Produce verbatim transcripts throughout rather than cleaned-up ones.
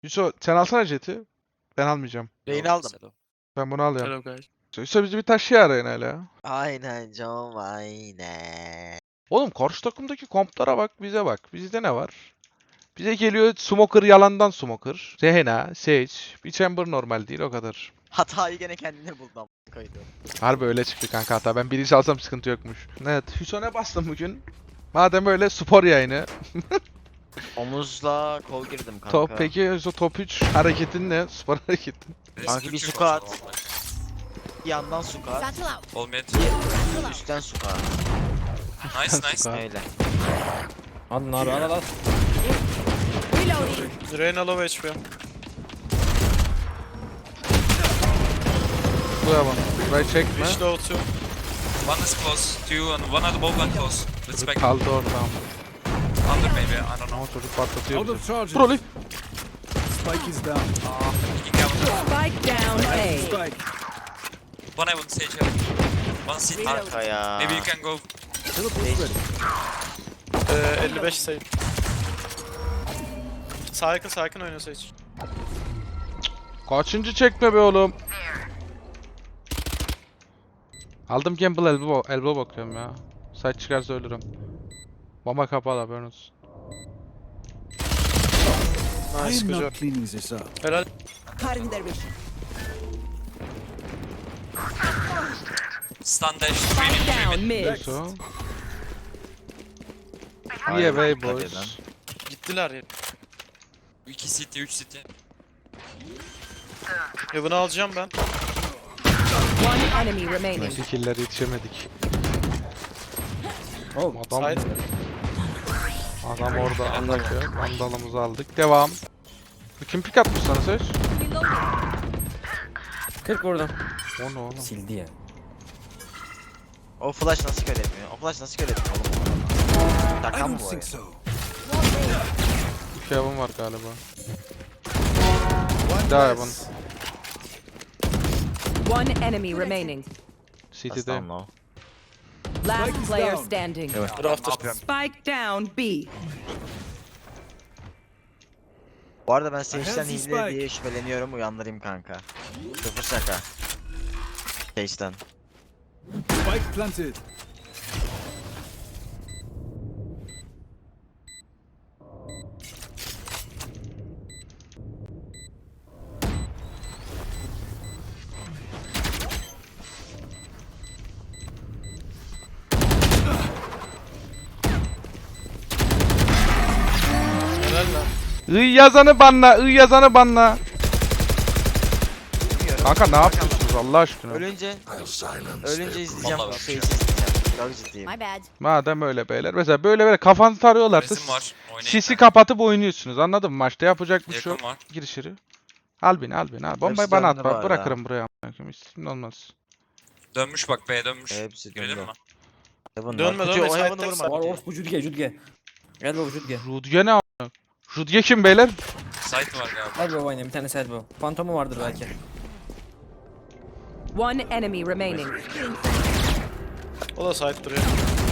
Yusuf sen alsana jeti. Ben almayacağım. Reyni aldım. Ben bunu alıyorum. Hello guys. Yusuf bizi bir taşıya arayın hele ya. Aynen canım aynen. Oğlum karşı takımdaki komplara bak, bize bak. Bizde ne var? Bize geliyor Smoker, yalandan Smoker. Rehena, Sage, bir Chamber normal değil, o kadar. Hatayı gene kendine buldum. Koydu. Harbi öyle çıktı kanka, hata. Ben birinci alsam sıkıntı yokmuş. Evet, Hüson'a bastım bugün. Madem öyle spor yayını. Omuzla kol girdim kanka. Top, peki Hüso top üç hareketin ne? Spor hareketin. Kanki bir squat. Yandan squat. Battle out. All mid. Üstten squat. Nice nice. Squat. Öyle. Hadi nar al al al. Reloading. Reyna low H P. Bu yalan. Burayı çekme. Reach low two. One is close. Two and one other both one close. Let's back. Kaldı orada. Under maybe. I don't know. Ama çocuk patlatıyor Out bizi. of charges. Broly. Spike is down. Peeking out. Spike down A. Spike. One I would say heaven. One seat. Arka ya. Maybe you can go. Teleport ready. Ee, elli beş sayı. Sakin sakin oynuyorsa hiç. Kaçıncı çekme be oğlum. Aldım Gamble elbow, elbow bakıyorum ya. Side çıkarsa ölürüm. Bomba kapalı, haberin olsun. I Nice am güzel. not cleaning this up. Helal. Cutting their vision. Stun dash. Spike down mid. So. İyi away Dikkat boys. edin. Gittiler ya. iki city, üç city. Heaven'ı alacağım ben. One enemy remaining. Neyse kill'ler yetişemedik. Oh. Adam, Side. adam orada anlatıyor. Vandalımızı aldık. Devam. Kim pick atmış sana Sage? kırk vurdum. O ne oğlum? Sildi ya. O flash nasıl kör etmiyor? O flash nasıl kör etmiyor oğlum? I Şaka mı don't bu think ya? so. İki yavan var galiba. Daha yavan. One enemy remaining. City'de. Aslan o. Last Spike is player down. standing. Rafter. Spike down B. Bu arada ben Sage'den Healthy hile spike. diye şüpheleniyorum, uyandırayım kanka. Sıfır şaka. Sage'den. Spike planted. Helal lan. I yazanı banla, I yazanı banla. Kanka ne yapıyorsunuz Allah aşkına? Ölünce Ölünce izleyeceğim. Vallahi Sage'i bakıyorum. izleyeceğim. Çok ciddiyim. My bad. Madem öyle beyler. Mesela böyle böyle kafanızı tarıyorlarsa Resim var. Oynayın. sisi kapatıp oynuyorsunuz, anladın mı? Maçta yapacak bir şey yok. Yakın var. Gir içeri. Al beni, al beni, al. Bombayı Hepsi bana at döndü bu bak. arada. Bırakırım buraya. amına koyayım. İsmin olmaz. Dönmüş bak B'ye dönmüş. Hepsi Girelim döndü. mi? Heaven Dönme, var. dönme, Kutuyu, o side'de Heaven'ı side. vurma. Var orospu Judge Judge. Gel baba Judge. Rudge ne a**? Rudge kim beyler? Site var galiba. Hadi baba oynayalım bir tane set bu. Fantomu vardır belki. One enemy remaining. O da side duruyor.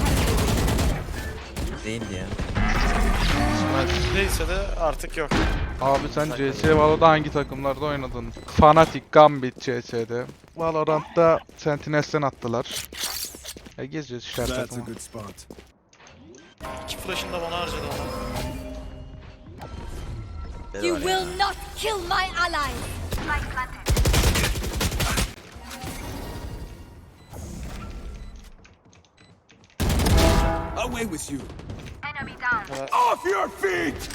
Değildi ya. Neyse de artık yok. Abi sen C S Valo'da hangi takımlarda oynadın? Fnatic, Gambit C S'de. Valorant'ta Sentinels'ten attılar. Ya gezeceğiz işte her That's a takımı. good spot. İki flash'ını da bana harcadı adam. You will not kill my ally. Away with you. Off your feet.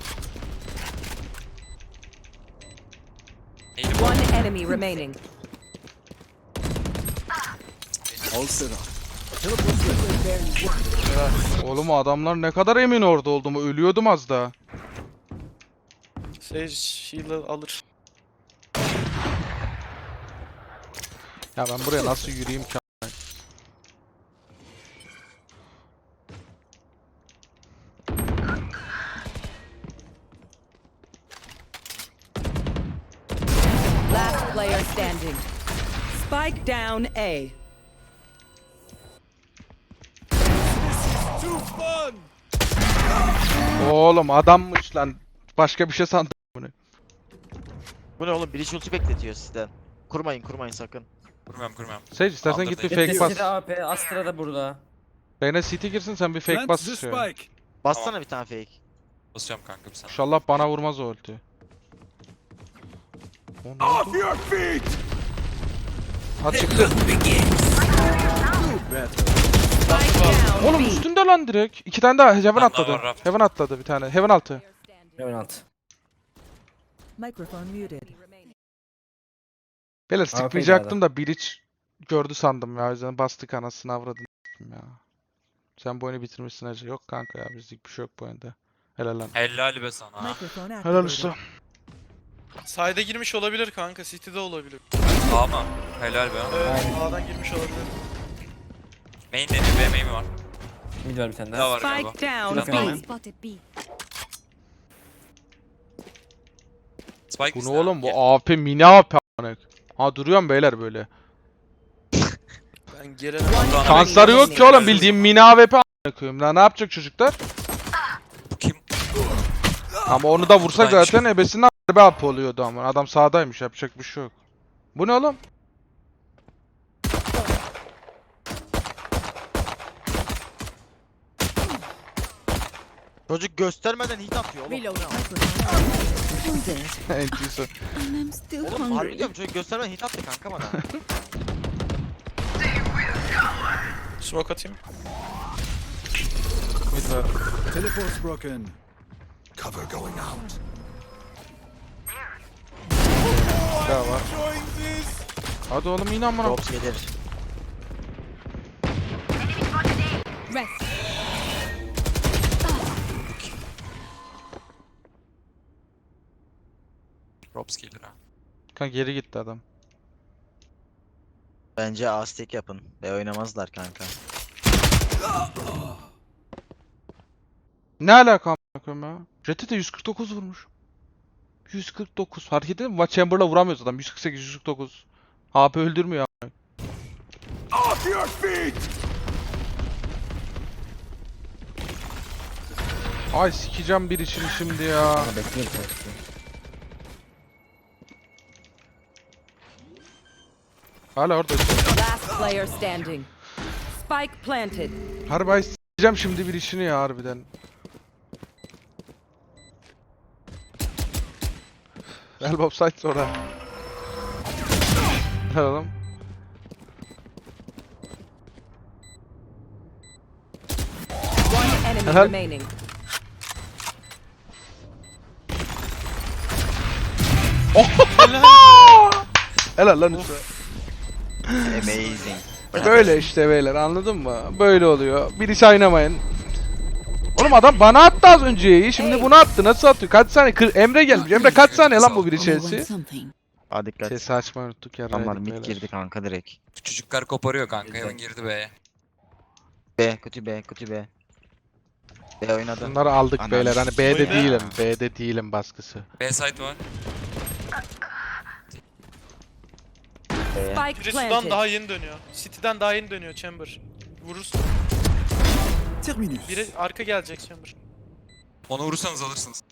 Neydi bu? One enemy remaining. All set up. Teleport ready. Oğlum adamlar ne kadar emin orada olduğumu, ölüyordum az daha. Sage heal'ı alır. Ya ben buraya nasıl yürüyeyim ki? Last player standing. Spike down A. Too fun. Oğlum adammış lan. Başka bir şey sandım bunu. Bu ne oğlum? Bridge ulti bekletiyor sizden. Kurmayın kurmayın sakın. Kurmuyorum kurmuyorum. Sage istersen Aldım git bir da- fake bas. City A P, Astra da burada. Beyne C T girsin sen bir fake bas. Şey. Bassana bir tane fake. Basıyorum kanka bir saniye. İnşallah bana vurmaz o ulti. O ne oldu? Ha çıktı. Spike down Oğlum B. üstünde lan direkt. İki tane daha Heaven daha atladı. var, raft. Heaven atladı bir tane. Heaven altı. Hemen alt. Microphone muted. Beyler Aferin sıkmayacaktım da Breach gördü sandım ya. O yüzden bastık anasını avradını ya. Sen bu oyunu bitirmişsin hacı. Yok kanka ya bizlik bir şey yok bu oyunda. Helal lan. Helal be sana. Microphone Helal activated. usta. Side'e girmiş olabilir kanka. City'de olabilir. A mı? Helal be. Evet, A'dan girmiş olabilir. Main deniyor. B main mi var? Mid var bir tane Daha daha. var galiba. Spike down Şuradan daha B. var. Spotted B. Spike Bu ne bizde oğlum abi. bu A P mini A P a**ınak. Ha duruyorum beyler böyle. Ben gelene Batuhan Şansları yok ki oğlum bildiğim mini A W P a**ına koyayım. Lan ne yapacak çocuklar? Bu kim? Ama onu da vursak Buradan zaten ebesinden harbi A P oluyordu ama. Adam sağdaymış yapacak bir şey yok. Bu ne oğlum? Çocuk göstermeden hit atıyor oğlum. Reload. Entisi. And I'm still Oğlum harbi hungry. diyorum çocuk göstermeden hit attı kanka bana. smoke atayım. Mid var. Teleport's broken. Cover going out. Daha var. Hadi oğlum yine amına. Drops gelir. Rest. Robs gelir ha. Kanka geri gitti adam. Bence A-stick yapın. Ve oynamazlar kanka. Ne alaka amına koyayım ya? Jet'e de yüz kırk dokuz vurmuş. yüz kırk dokuz. Fark ettin mi? Chamber'la vuramıyoruz adam. yüz kırk sekiz yüz kırk dokuz. H P öldürmüyor amına. Off your feet! Ay sikeceğim bir işini şimdi ya. Ama bekliyorum tabii. Hala orada. Last player standing. Spike planted. Harbi ay sikeceğim şimdi bir işini ya harbiden. Elbow side sonra. Ne oğlum? One enemy Helal. remaining. Helal lan usta. Amazing. Böyle işte beyler anladın mı? Böyle oluyor. Bir iş oynamayın. Oğlum adam bana attı az önceyi. Şimdi bunu attı. Nasıl atıyor? Kaç saniye? Kır- Emre gelmiş. Emre kaç saniye lan bu bir I want Chelsea? something. Aa dikkat. Sesi açmayı unuttuk ya. Adamlar raydık mid beyler. girdi kanka direkt. Çocuklar koparıyor kanka. Heaven girdi B'ye. B, kötü B, kötü B. B oynadı. Bunları aldık Anam. beyler. Hani B'de Oyna. değilim. B'de değilim baskısı. B site var. B'ye. Spike Biri sudan planted. daha yeni dönüyor. City'den daha yeni dönüyor Chamber. Vurursun. Terminus. Biri arka gelecek Chamber. Onu vurursanız alırsınız.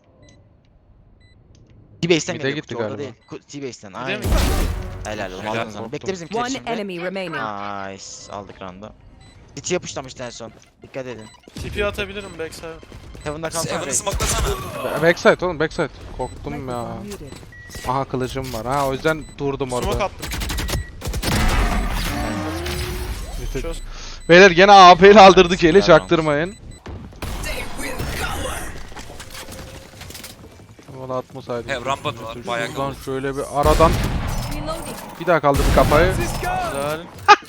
T-Base'den Mid'e geliyor. gitti Kutu orada galiba. değil. Ku- T-Base'den. Mid'e Aynen. mi? Helal oğlum Helal, aldığın zaman. korktum. Bekle bizimkiler One şimdi. enemy remaining. Nice. Aldık round'u. City yapışlamıştı en son. Dikkat edin. T P atabilirim backside. Heaven'da kalsana. Heaven'ı reis. smokelasana. Ba- Backside oğlum backside. Korktum ya. Microphone muted. Aha kılıcım var. Ha o yüzden durdum Smoke orada. attım. Çöz. Beyler gene A P ile aldırdık eli Helal çaktırmayın. Valla atmasaydım. He, rampadılar, bayağı Şuradan şöyle bir aradan Reloading. bir daha kaldırdık kafayı. Güzel.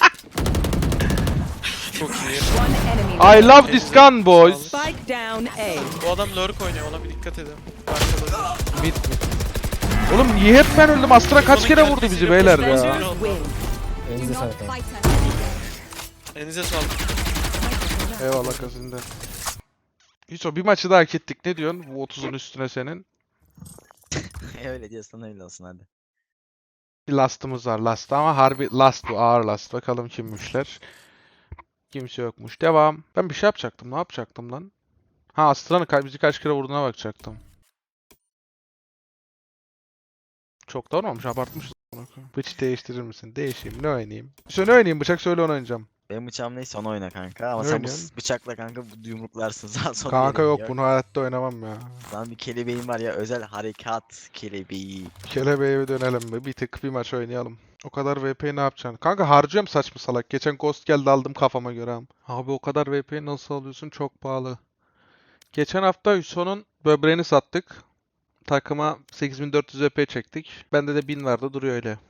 Çok iyi. One enemy. I love this gun boys. Spike down A. Bu adam lurk oynuyor ona bir dikkat edin. Arkada. Mid mid. Oğlum niye hep ben öldüm? Astra kaç kere vurdu bizi beyler ya. Defenders win. Elinize Do not sağlık. abi. fight us. Elinize sağlık. Eyvallah kasında. Hiç o bir maçı daha hak ettik. Ne diyorsun? Bu otuzun üstüne senin. Öyle diyorsan öyle olsun hadi. Bir last'ımız var last ama harbi last bu ağır last. Bakalım kimmişler. Kimse yokmuş. Devam. Ben bir şey yapacaktım. Ne yapacaktım lan? Ha Astra'nın ka- bizi kaç kere vurduğuna bakacaktım. Çok da olmamış, abartmışız. Bıçak değiştirir misin? Değişeyim, ne oynayayım? Söyle oynayayım, bıçak söyle onu oynayacağım. Benim bıçağım neyse onu oyna kanka ama Ne sen bu oynuyorsun? s- bıçakla kanka bu yumruklarsın sağ sol Kanka yere yok, gidiyor. bunu hayatta oynamam ya. Lan bir kelebeğim var ya, özel harekat kelebeği. Kelebeğe bir dönelim be. Bir tık bir maç oynayalım. O kadar V P'yi ne yapacaksın? Kanka harcıyorum saçma salak. Geçen Ghost geldi aldım kafama göre. am. Abi o kadar V P'yi nasıl alıyorsun? Çok pahalı. Geçen hafta Hüson'un böbreğini sattık. Takıma sekiz bin dört yüz V P çektik. Bende de bin vardı, duruyor öyle.